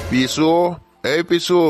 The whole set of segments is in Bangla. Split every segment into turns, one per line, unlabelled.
পিসু, এই পিসু।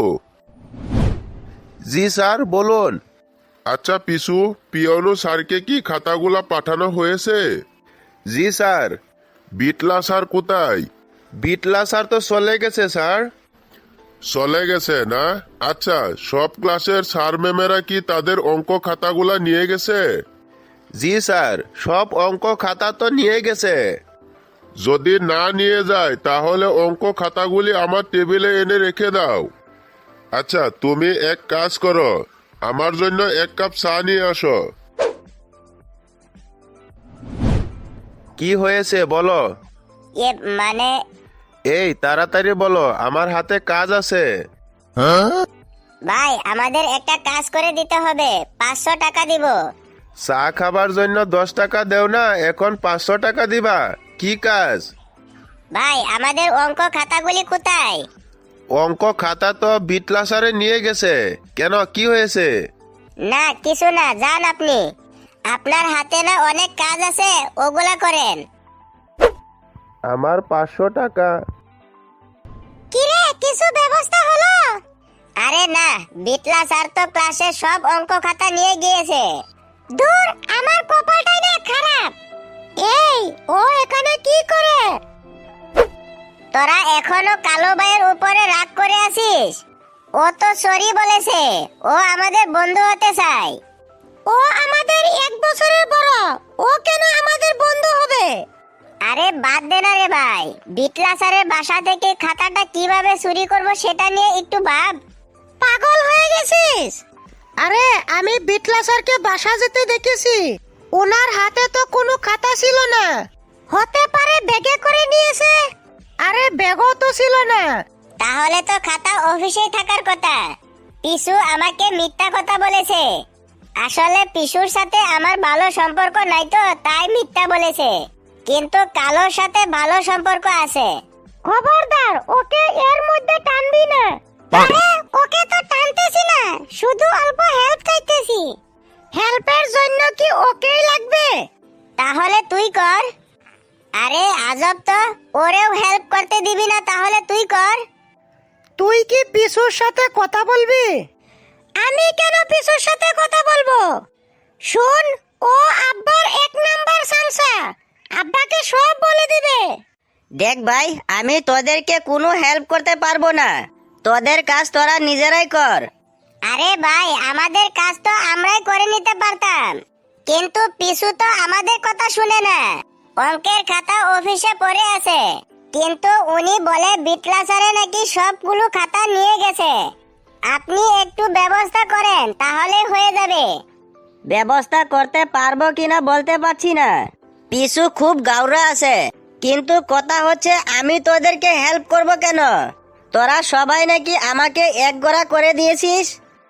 জি স্যার, বলুন।
আচ্ছা পিসু, পিয়নো স্যারকে কি খাতাগুলা পাঠানো হয়েছে?
জি স্যার।
বিটলা স্যার কোথায়?
বিটলা স্যার তো চলে গেছে স্যার।
চলে গেছে না? আচ্ছা, সব ক্লাসের স্যার ম্যামেরা কি তাদের অঙ্ক খাতাগুলা নিয়ে গেছে?
জি স্যার, সব অঙ্ক খাতা তো নিয়ে গেছে।
যদি না নিয়ে যায় তাহলে অঙ্ক খাতাগুলি আমার টেবিলে এনে রেখে দাও। আচ্ছা, তুমি এক কাজ করো, আমার জন্য এক কাপ চা নিয়ে আসো।
কি হয়েছে বলো।
এ মানে
এই তাড়াতাড়ি বলো, আমার হাতে কাজ আছে।
ভাই আমাদের একটা কাজ করে দিতে হবে, 500 টাকা দিব।
চা খাবার জন্য 10 টাকা দেও না, এখন 500 টাকা দিবা? কি কাজ?
ভাই আমাদের অঙ্ক খাতাগুলি কোথায়?
অঙ্ক খাতা তো বিটলা স্যারে নিয়ে গেছে। কেন, কি হয়েছে?
না কিছু না, যান আপনি। আপনার হাতে না অনেক কাজ আছে, ওগুলা করেন।
আমার 500 টাকা।
কিরে, কিছু ব্যবস্থা হলো? আরে না, বিটলা স্যার তো ক্লাসের সব অঙ্ক খাতা নিয়ে গিয়েছে। দূর, আমার কপালটাই না খারাপ। এই, ও এখানে কি করে? তোরা এখনো কালো ভাইয়ের উপরে রাগ করে আছিস? ও তো সরি বলেছে, ও আমাদের বন্ধু হতে চায়। ও আমাদের 1 বছরের বড়, ও কেন আমাদের বন্ধু হবে? আরে বাদ দে না রে ভাই, বিটলা স্যারের বাসা থেকে খাতাটা কিভাবে চুরি করব সেটা নিয়ে একটু ভাব। পাগল হয়ে গেছিস?
আরে আমি বিটলা স্যারকে বাসা যেতে দেখেছি, ওনার হাতে তো কোনো খাতা ছিল না।
হতে পারে ব্যাগে করে নিয়েছে।
আরে ব্যাগও তো ছিল না।
তাহলে তো খাতা অফিসে থাকার কথা। পিসু আমাকে মিথ্যা কথা বলেছে। আসলে পিসুর সাথে আমার ভালো সম্পর্ক নাই তো তাই মিথ্যা বলেছে, কিন্তু কালোর সাথে ভালো সম্পর্ক আছে। খবরদার, ওকে এর মধ্যে টানবি না। আরে ওকে তো টানতেছি না, শুধু অল্প হেল্প চাইতেছি। হেল্পের জন্য কি ওকেই লাগবে? তাহলে তুই কর। আরে আজব তো, ওরেও হেল্প করতে দিবি না, তাহলে তুই কর।
তুই কি পিসুর সাথে কথা বলবি?
আমি কেন পিসুর সাথে কথা বলবো? শুন, ও আব্বার 1 নাম্বার সামসা, আব্বাকে সব বলে দিবে।
দেখ ভাই, আমি তোদেরকে কোনো হেল্প করতে পারবো না, তোদের কাজ তোরা নিজেরাই কর।
আরে ভাই, আমাদের কাজ তো আমরাই করে নিতে পারতাম, কিন্তু পিসু তো আমাদের কথা শুনে না। অঙ্কের খাতা অফিসে পড়ে আছে, কিন্তু উনি বলে বিটলা স্যারে নাকি সবগুলো খাতা নিয়ে গেছে। আপনি একটু ব্যবস্থা করেন, তাহলে হয়ে যাবে।
ব্যবস্থা করতে পারবো কিনা বলতে পারছি না, পিছু খুব গাউরা আছে, কিন্তু কথা হচ্ছে আমি তোদেরকে হেল্প করব কেন? তোরা সবাই নাকি আমাকে একগোড়া করে দিয়েছিস।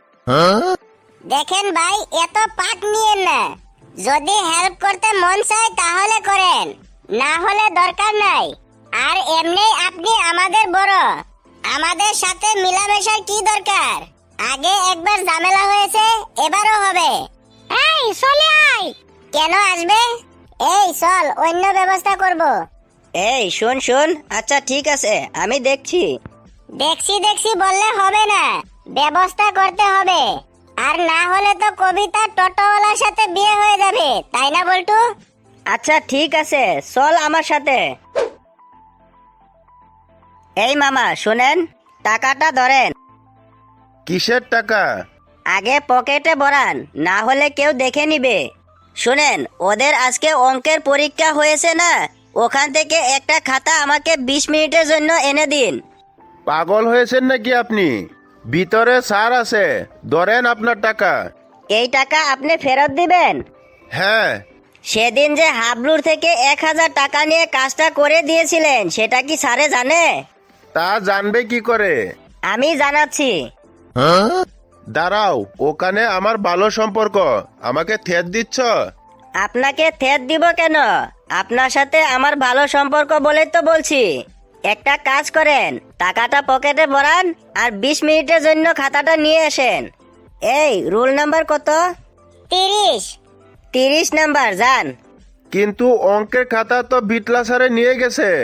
দেখেন ভাই, এত পাক নিয়েন না। যদি হেল্প করতে মন চায় তাহলে করেন, না হলে দরকার নাই। আর এমনি আপনি আমাদের বড়, আমাদের সাথে মিলামেশার কি দরকার? আগে একবার ঝামেলা হয়েছে, এবারও হবে। এই চলে আয়। কেন আসবে? এই চল, অন্য ব্যবস্থা করব।
এই শোন শোন, আচ্ছা ঠিক আছে, আমি দেখছি।
দেখছি দেখছি বললে হবে না, ব্যবস্থা করতে হবে। আর না হলে তো কবিতা টোটোওয়ালার সাথে বিয়ে হয়ে যাবে, তাই না বল্টু?
আচ্ছা ঠিক আছে, চল আমার সাথে। এই মামা শুনেন, টাকাটা ধরেন।
কিসের টাকা?
আগে পকেটে ভরান, না হলে কেউ দেখে নিবে। শুনেন, ওদের আজকে অঙ্কের পরীক্ষা হয়েছে না, ওখান থেকে একটা খাতা আমাকে 20 মিনিটের জন্য এনে দিন।
পাগল হয়েছেন নাকি আপনি? ভিতরে স্যার আছে, ধরেন আপনার টাকা।
এই টাকা আপনি ফেরত দিবেন?
হ্যাঁ।
সেদিন যে হাবলুর থেকে 1000 টাকা নিয়ে কাজটা করে দিয়েছিলেন, সেটা কি স্যারে জানে?
তা জানবে কি করে?
আমি জানাচ্ছি।
দাঁড়াও, ওখানে আমার ভালো সম্পর্ক, আমাকে থেত দিচ্ছ?
আপনাকে থেত দিব কেন? আপনার সাথে আমার ভালো সম্পর্ক বলে তো বলছি। একটা কাজ করেন, টাকাটা পকেটে ভরান আর 20 মিনিটের জন্য খাতাটা নিয়ে আসেন। এই রুল নাম্বার কত?
30।
30 নাম্বার, যান।
কিন্তু অঙ্কের খাতা তো বিটলা স্যারে নিয়ে গেছে।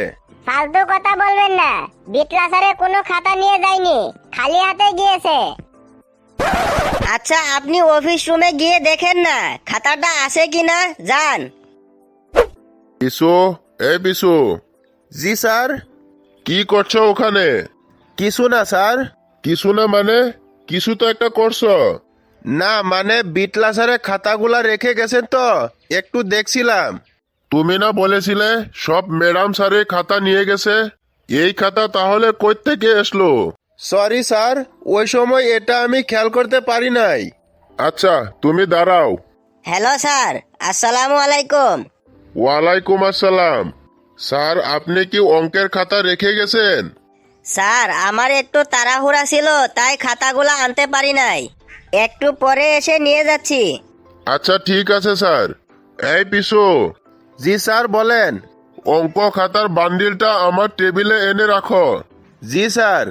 ফালতু কথা বলবেন না, বিটলা স্যারে কোনো খাতা নিয়ে যায়নি, খালি হাতে গিয়েছে।
আচ্ছা আপনি অফিস রুমে গিয়ে দেখেন না খাতাটা আছে কিনা, যান।
পিসু, এই পিসু,
জি স্যার।
কি করছো ওখানে?
কিছু না স্যার।
কিছু না মানে? কিছু তো একটা করছো।
না মানে বিটলা স্যারের খাতাগুলা রেখে গেছেন তো একটু দেখছিলাম।
তুমি না বলেছিলে সব ম্যাডাম স্যারে খাতা নিয়ে গেছে? এই খাতা তাহলে কই থেকে আসলো?
সরি স্যার, ওই সময় এটা আমি খেয়াল করতে পারি নাই।
আচ্ছা তুমি দাঁড়াও।
হ্যালো স্যার, আসসালামু আলাইকুম।
ওয়ালাইকুম আসসালাম। স্যার আপনি কি অঙ্কের খাতা রেখে গেছেন?
স্যার আমার একটু তাড়াহুড়া ছিল তাই খাতাগুলো আনতে পারি নাই, একটু পরে এসে নিয়ে যাচ্ছি।
আচ্ছা ঠিক আছে স্যার। এই পিসু,
জি স্যার বলেন।
অঙ্ক খাতার বান্ডিলটা আমার টেবিলে এনে রাখো।
জি স্যার।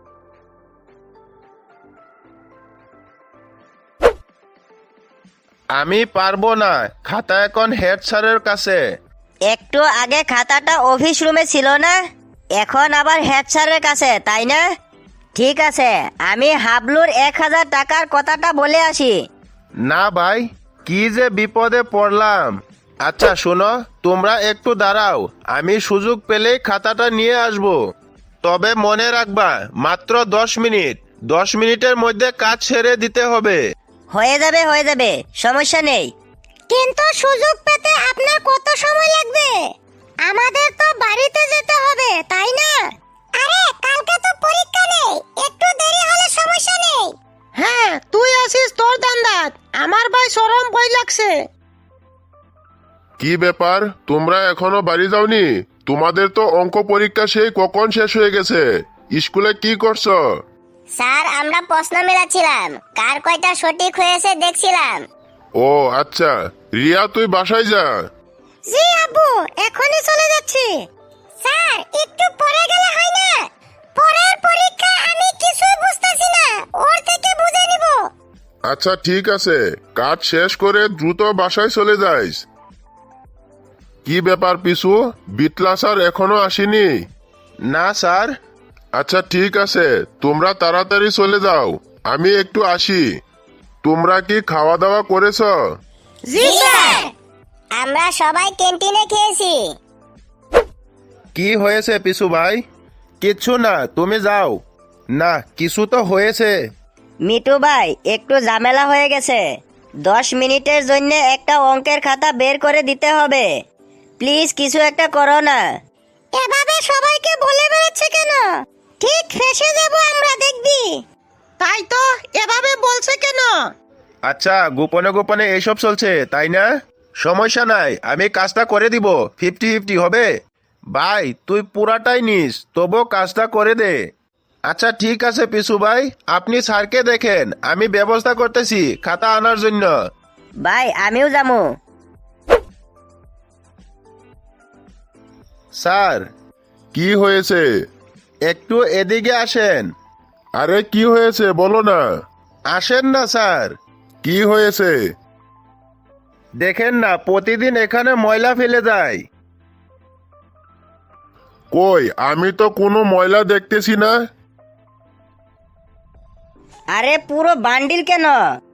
আমি পারবো না, খাতা এখন হেড স্যারের কাছে।
একটু আগে খাতাটা অফিস রুমে ছিল না, এখন আবার হেড স্যারের কাছে, তাই না? ঠিক আছে, আমি হাবলুর 1000 টাকার কথাটা বলে আসি।
না ভাই, কি যে বিপদে পড়লাম। আচ্ছা শোনো, তোমরা একটু দাঁড়াও, আমি সুযোগ পেলেই খাতাটা নিয়ে আসব। তবে মনে রাখবা মাত্র 10 মিনিট, 10 মিনিটের মধ্যে কাজ ছেড়ে দিতে হবে।
হয়ে যাবে, সমস্যা নেই।
কিন্তু সুযোগ পেতে আপনার কত সময় লাগবে? আমাদের তো বাড়িতে যেতে হবে, তাই না?
আরে কালকে তো পরীক্ষা নেই, একটু দেরি হলে সমস্যা নেই।
হ্যাঁ, তুই আসিস তোর দান্দাত, আমার ভাই শরম ভয় লাগছে।
কি ব্যাপার, তোমরা এখনো বাড়ি যাওনি? তোমাদের তো অঙ্ক পরীক্ষা সেই কখন শেষ হয়ে গেছে। স্কুলে কি করছো?
স্যার আমরা প্রশ্ন মেলাচ্ছিলাম, কার কয়টা সঠিক হয়েছে দেখছিলাম।
ও আচ্ছা, রিয়া তুই বাসায় যা।
জি আব্বু, এখনই চলে যাচ্ছি।
স্যার একটু পরে গেলে হয় না? পরের পরীক্ষা আমি কিছুই বুঝতেছি না, ওর থেকে বুঝে নিব।
আচ্ছা ঠিক আছে, কাজ শেষ করে দ্রুত বাসায় চলে যাইস। কি ব্যাপার পিসু, বিটলা স্যার এখনো আসেনি?
না স্যার।
আচ্ছা ঠিক আছে, তোমরা তাড়াতাড়ি চলে যাও, আমি একটু আসি। তোমরা কি খাওয়া দাওয়া করেছ?
জি স্যার।
আমরা সবাই ক্যান্টিনে খেয়েছি।
কি হয়েছে পিসু ভাই? কিচ্ছু না, তুমি যাও। না কিছু তো হয়েছে।
মিটু ভাই একটু ঝামেলা হয়ে গেছে, 10 মিনিটের জন্য একটা অঙ্কের খাতা বের করে দিতে হবে, প্লিজ কিছু একটা করো না।
এভাবে সবাইকে বলে বেড়াচ্ছে কেন? ঠিক ফেসে যাব আমরা, দেখবি। তাই তো, এভাবে বলছে কেন?
আচ্ছা গোপনে গোপনে এইসব চলছে তাই না? সমস্যা নাই, আমি কাজটা করে দিব, 50-50 হবে। ভাই তুই পুরাটাই নিস, তবু কাজটা করে দে। আচ্ছা ঠিক আছে পিসু ভাই, আপনি স্যারকে দেখেন, আমি ব্যবস্থা করতেছি খাতা আনার জন্য।
ভাই আমিও যাবো।
স্যার
কি হয়েছে?
একটু এদিকে আসেন।
আরে কি হয়েছে বলো না।
আসেন না স্যার।
কি হয়েছে?
দেখেন না প্রতিদিন এখানে ময়লা ফেলে যায়।
কই, আমি তো কোনো ময়লা দেখতেছি না।
আরে পুরো বান্ডিল কেন?